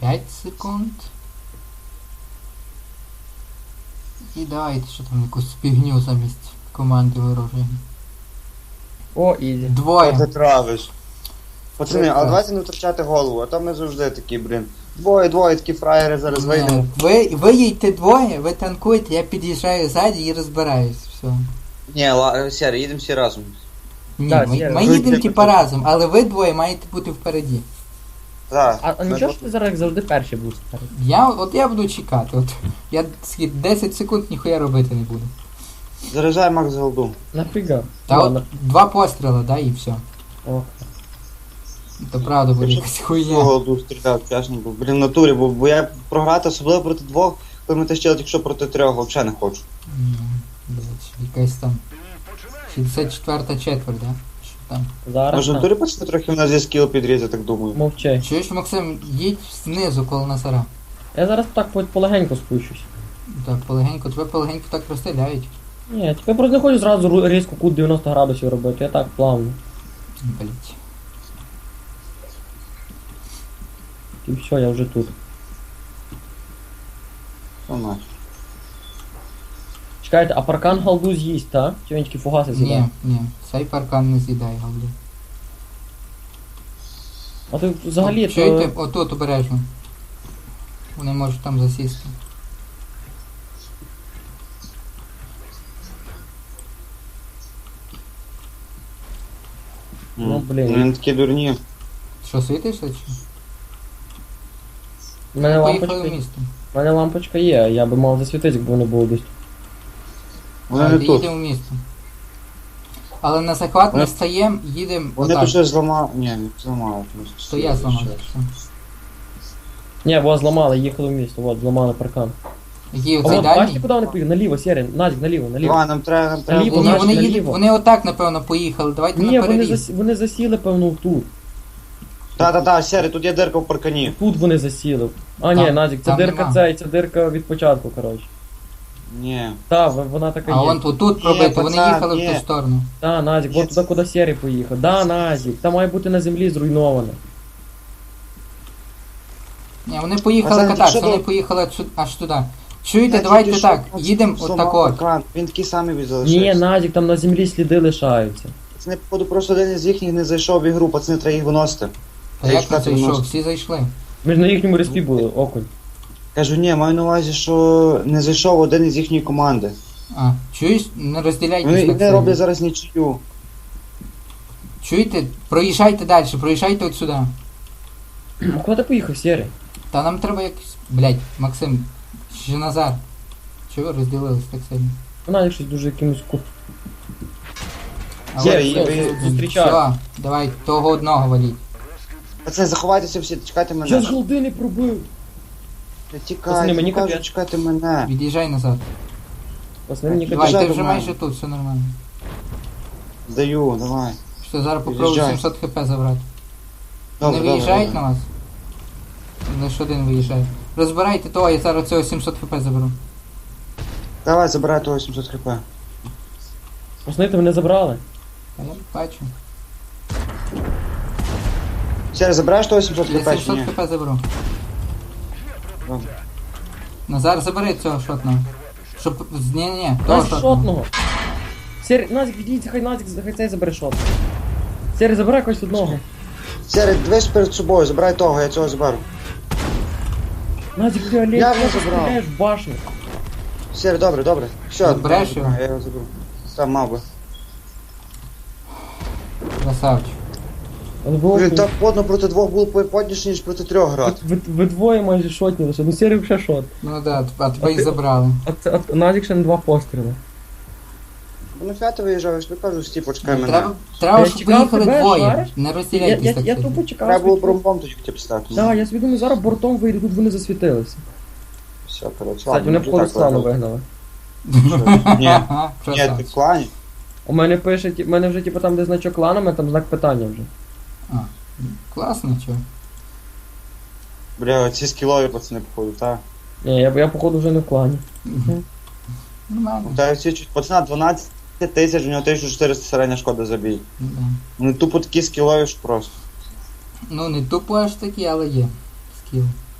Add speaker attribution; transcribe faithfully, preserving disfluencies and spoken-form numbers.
Speaker 1: п'ять секунд. І давайте, що там, якусь спігню замість команди ворожої.
Speaker 2: О, ізі.
Speaker 1: Двоє.
Speaker 3: Ти травиш. Пацани,
Speaker 1: Прекрасно.
Speaker 3: але давайте не втрачати голову, а то ми завжди такі, блін. Двоє, двоє, такі фраєри, зараз вийдемо.
Speaker 1: Ви, ви їдьте двоє, ви танкуєте, я під'їжджаю ззаді і розбираюсь. Все.
Speaker 3: Ні, ла... Сері, їдемо всі разом.
Speaker 1: Ні,
Speaker 2: Так,
Speaker 1: ми,
Speaker 2: я-
Speaker 1: ми
Speaker 3: ви-
Speaker 1: їдемо
Speaker 3: ви-
Speaker 1: типа разом, але ви двоє маєте бути впереді.
Speaker 3: Так.
Speaker 2: А, а нічого, що ти зараз як завжди перший був спереду?
Speaker 1: Я, от я буду чекати, от я скільки, десять секунд ніхуя робити не буду.
Speaker 3: Заряджай Макс голду.
Speaker 2: Нафіга?
Speaker 1: Та
Speaker 2: Ладно.
Speaker 1: от два постріли, да, і все.
Speaker 2: О.
Speaker 1: То правда буде
Speaker 3: Я
Speaker 1: якась
Speaker 3: Всю
Speaker 1: хуйня.
Speaker 3: голду стріляв, чесно, бо, блін, в натурі, бо, бо я програти, особливо проти двох, коли ми тащили, якщо проти трьох, взагалі не хочу.
Speaker 1: М, блядь, якась там шістдесят четверта четверть, да? Що там?
Speaker 2: Зараз.
Speaker 3: Може в
Speaker 2: там.
Speaker 3: натурі пацани трохи в нас є скіл підрізати, так думаю.
Speaker 2: Мовчи.
Speaker 1: Чуєш, Максим, їдь знизу коло Назара.
Speaker 2: Я зараз так по- полегенько спущусь.
Speaker 1: Так, полегенько, тебе полегенько так розстріляють.
Speaker 2: Ні, я просто не хочу зразу ру- різко кут дев'яносто градусів робити, я так плавно.
Speaker 1: Блять.
Speaker 2: І все, я вже тут.
Speaker 3: Що нахер?
Speaker 2: Чекайте, а паркан голду з'їсть, так? Чи він тільки фугаси з'їдає?
Speaker 1: Ні, ні, цей паркан не з'їдає, галді.
Speaker 2: А ти взагалі то...
Speaker 1: Чуєте, отут обережно. Вони можуть там засісти.
Speaker 2: Ну,
Speaker 3: М.
Speaker 2: блін.
Speaker 3: Вони такі дурні.
Speaker 1: Що, світишся чи?
Speaker 2: У мене
Speaker 1: Поїхали
Speaker 2: лампочка,
Speaker 1: в місто.
Speaker 2: у мене лампочка є, я би мав засвітити, якби вони було десь.
Speaker 3: Вони
Speaker 1: Так,
Speaker 3: не тут.
Speaker 1: їдемо в місто. Але на захват
Speaker 3: Вони-
Speaker 1: не стаємо, їдемо
Speaker 3: Вони
Speaker 1: отак.
Speaker 3: тут щось зламали. Ні, не зламали.
Speaker 1: То я зламав. все.
Speaker 2: Ні, вас зламали, їхали в місто, от, зламали паркан.
Speaker 1: Який
Speaker 2: А
Speaker 1: оцей
Speaker 2: от, бачите,
Speaker 1: дальній?
Speaker 2: куди вони поїхали? Наліво, Сєрін, Назік, наліво, наліво.
Speaker 3: Давай, нам треба, нам треба.
Speaker 2: Наліво,
Speaker 1: Ні,
Speaker 2: Наліво,
Speaker 1: вони
Speaker 2: наліво.
Speaker 1: їдуть, вони отак, напевно, поїхали. Давайте
Speaker 2: Ні,
Speaker 1: на
Speaker 2: вони,
Speaker 1: переріз.
Speaker 2: зас... вони засіли, певно, тут.
Speaker 3: Та-та-та, Сері, тут є дирка в паркані.
Speaker 2: Тут вони засіли. А, ні,
Speaker 1: Там-
Speaker 2: Назік, це
Speaker 1: там
Speaker 2: дирка
Speaker 1: нема.
Speaker 2: цей, це дирка від початку, коротше.
Speaker 3: Ні.
Speaker 2: Та, в- вона така
Speaker 1: А
Speaker 2: є.
Speaker 1: вон тут, тут
Speaker 3: Ні,
Speaker 1: пробито, вони
Speaker 3: пацан,
Speaker 1: їхали в
Speaker 3: ні.
Speaker 1: ту сторону.
Speaker 2: Та, Назік,
Speaker 3: Є
Speaker 2: от туди, куди Сєрій поїхав. Да, Назік, там має бути на землі зруйновано.
Speaker 1: Ні, вони поїхали
Speaker 3: Пацан,
Speaker 1: кататися,
Speaker 3: що
Speaker 1: вони
Speaker 3: ти-
Speaker 1: поїхали аж- аж туди. Чуєте,
Speaker 3: Я
Speaker 1: давайте
Speaker 3: тільки
Speaker 1: так,
Speaker 3: що
Speaker 1: їдемо
Speaker 3: зламав
Speaker 1: отак от.
Speaker 3: паркан. Він такий самий від
Speaker 2: Ні,
Speaker 3: залишився.
Speaker 2: Назік, там на землі сліди лишаються.
Speaker 3: Пацани, походу, просто один із їхніх не зайшов в ігру, пацани, треба їх виносити.
Speaker 1: Та
Speaker 3: Я
Speaker 1: як не
Speaker 3: шукати
Speaker 1: зайшов?
Speaker 3: виношу.
Speaker 1: Всі зайшли.
Speaker 2: Ми ж на їхньому респі були, окунь.
Speaker 3: Кажу, ні, маю на увазі, що не зайшов один із їхньої команди.
Speaker 1: А, чуєш? Не розділяйтесь
Speaker 3: Вони,
Speaker 1: так
Speaker 3: вони
Speaker 1: сильно.
Speaker 3: роблять зараз нічию.
Speaker 1: Чуєте? Проїжджайте далі, проїжджайте от сюди.
Speaker 2: А куди ти поїхав, Сєрій?
Speaker 1: Та нам треба якось... Блять, Максим, ще назад. Чого ви розділились так сильно?
Speaker 2: Назік щось дуже якимось ку...
Speaker 1: А
Speaker 2: Є,
Speaker 1: от-
Speaker 2: є,
Speaker 1: все,
Speaker 2: зустрічаю.
Speaker 1: все, давай, того одного валіть.
Speaker 3: Пацани, заховайтеся всі, чекайте
Speaker 2: Я з
Speaker 3: мене.
Speaker 2: голди не пробив.
Speaker 3: Не
Speaker 2: Пацани,
Speaker 3: тікайте,
Speaker 2: мені
Speaker 3: кажу,
Speaker 2: капець.
Speaker 3: чекайте мене.
Speaker 1: Від'їжджай назад.
Speaker 2: Пацани, мені
Speaker 1: Давай,
Speaker 3: Під'їжджай
Speaker 1: ти
Speaker 3: до
Speaker 1: вже
Speaker 3: мене.
Speaker 1: майже тут, все нормально.
Speaker 3: Здаю, давай.
Speaker 1: Що, зараз попробую
Speaker 3: Під'їжджай.
Speaker 1: сімсот хп забрати.
Speaker 3: Добре,
Speaker 1: Не
Speaker 3: добре,
Speaker 1: виїжджають
Speaker 3: добре.
Speaker 1: на вас? Лиш один виїжджає. Розбирайте того, я зараз цього сімсот хп заберу.
Speaker 3: Давай, забирай того сімсот хп.
Speaker 2: Пацани, ти мене забрали.
Speaker 1: А я бачу.
Speaker 3: Сері, забираєш того сімсот
Speaker 1: Я
Speaker 3: хп чи
Speaker 1: сімсот
Speaker 3: ні?
Speaker 1: хп заберу.
Speaker 3: Добре.
Speaker 1: Назар, забери цього шотного. Щоб... Ні-ні-ні, того
Speaker 2: Назік
Speaker 1: шотного.
Speaker 2: шотного. Сєрій, Назік, відійдіть, хай Назік, хай цей забере шот. Сєрій, забирай якось одного.
Speaker 3: Сері, дивись перед собою, забирай того, я цього заберу.
Speaker 2: Назік, ти Олег,
Speaker 3: Я вже
Speaker 2: ти
Speaker 3: забрав.
Speaker 2: стріляєш в башню.
Speaker 3: Сері, добре, добре. Все,
Speaker 1: Забереш
Speaker 3: добре,
Speaker 1: його?
Speaker 3: я його заберу. Там мав би.
Speaker 1: Красавчик.
Speaker 2: Але ви,
Speaker 3: Блін,
Speaker 2: окунь.
Speaker 3: так подно проти двох було подніше, ніж проти трьох грати.
Speaker 2: ви, ви двоє майже шотні лише, ну Сєрій вже шот.
Speaker 1: Ну да, а тебе
Speaker 2: А
Speaker 1: їх
Speaker 2: ти-
Speaker 1: забрали.
Speaker 2: А, це, а Назік ще на два постріли.
Speaker 3: Ну фіати виїжджав, я ж тобі кажу, стій, почекай мене.
Speaker 1: Треба, треба
Speaker 2: Я
Speaker 1: щоб
Speaker 2: чекав
Speaker 1: поїхали
Speaker 2: тебе,
Speaker 1: двоє.
Speaker 2: шариш?
Speaker 1: Не
Speaker 2: Я,
Speaker 1: розділяйтесь
Speaker 2: я,
Speaker 1: так
Speaker 2: я
Speaker 1: сильно.
Speaker 2: тупо чекав.
Speaker 3: Треба було
Speaker 2: світло.
Speaker 3: бромбом тоді хотів стати.
Speaker 2: Так, я собі думаю, зараз бортом вийду, тут вони засвітилися.
Speaker 3: Все, коротше,
Speaker 2: Кстати,
Speaker 3: ладно,
Speaker 2: вони
Speaker 3: вже
Speaker 2: походу
Speaker 3: так
Speaker 2: стану
Speaker 3: ладно.
Speaker 2: вигнали.
Speaker 3: Ні, ні,
Speaker 1: Ага,
Speaker 3: ти в
Speaker 1: красавчик.
Speaker 3: клані.
Speaker 2: У мене пише, ті- в мене вже типу там де значок кланами, там знак питання вже.
Speaker 1: А, класно, чо.
Speaker 3: Бля, ці скілові пацани походу, так.
Speaker 2: Ні, я, я походу вже не в клані.
Speaker 1: Нормально.
Speaker 3: Та ці чуть пацана дванадцять тисяч, у нього тисяча чотириста середня шкода забій.
Speaker 1: Да.
Speaker 3: Вони тупо такі скілові, що просто.
Speaker 1: Ну не тупо аж такі, але є. Скіл.